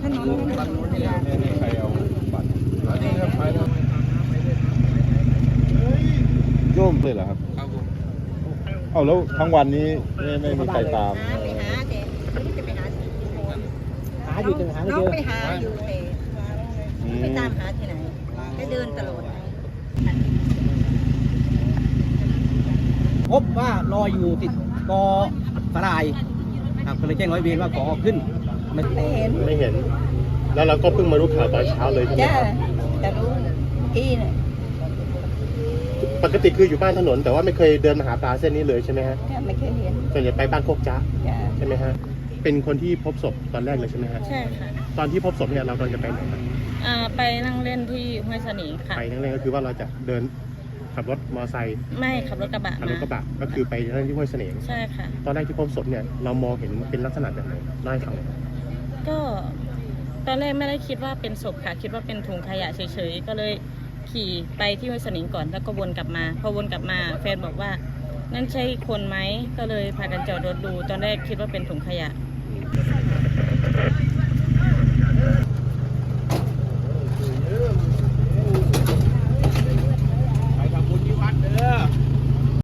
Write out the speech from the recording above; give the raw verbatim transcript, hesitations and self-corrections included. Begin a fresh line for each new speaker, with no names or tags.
นนบ้านนู้นนี่ไม่ใครเอาบัตรอันนี้ครับไปแล้วโยมเลยเหรอครับครับผมเอาแล้วทั้งวันนี้ไม่ไม่มีใครตาม
ไปหาแต่ไม่รู้จะไปหาที่ไหน
หาอยู่แต่หาไม่เจอ
น้องไปหาอยู่แต่ไปตามหาที่ไหนก็เดินตลอด
พบว่าลอยอยู่ติดกอสลายครับก็เลยแจ้งร้อยเวรว่าขอขึ้น
ไม่เห็น
ไม่เห็นแล้วเราก็เพิ่งมารู้ข่าวตอนเช้าเลยใช่ไหม
จ้า
ครับ
แต่รู้ที่เนี่ย
ปกติคืออยู่บ้านถนนแต่ว่าไม่เคยเดินมาหาปลาเส้นนี้เลยใช่ไหมฮะ
ไม่เคยเห็น
ส่วนใหญ่ไปบ้านโคกจ้าใช่ไหมฮะเป็นคนที่พบศพตอนแรกเลยใช่ไหมฮะ
ใช่ค่ะ
ตอนที่พบศพเนี่ยเรากำลังจะไปไหนครับ
อ่าไปนั่งเล่นที่ห้วยสนีค่ะ
ไปนั่งเล่นก็คือว่าเราจะเดินขับรถมอเตอร์ไซค์
ไม่ขับรถกระบะ
ขับรถกระบะก็คือไปนั่งที่ห้วยเสน่ห์
ใช่ค่ะ
ตอนแรกที่พบศพเนี่ยเรามองเห็นเป็นลักษณะแบบไหนเล่าให้ฟัง
ก็ตอนแรกไม่ได้คิดว่าเป็นศพค่ะคิดว่าเป็นถุงขยะเฉยๆก็เลยขี่ไปที่ห้วยสนิงก่อนแล้วก็วนกลับมาพอวนกลับมาแฟนบอกว่านั่นใช่คนไหมก็เลยพากันจอดรถดูตอนแรกคิดว่าเป็นถุงขยะ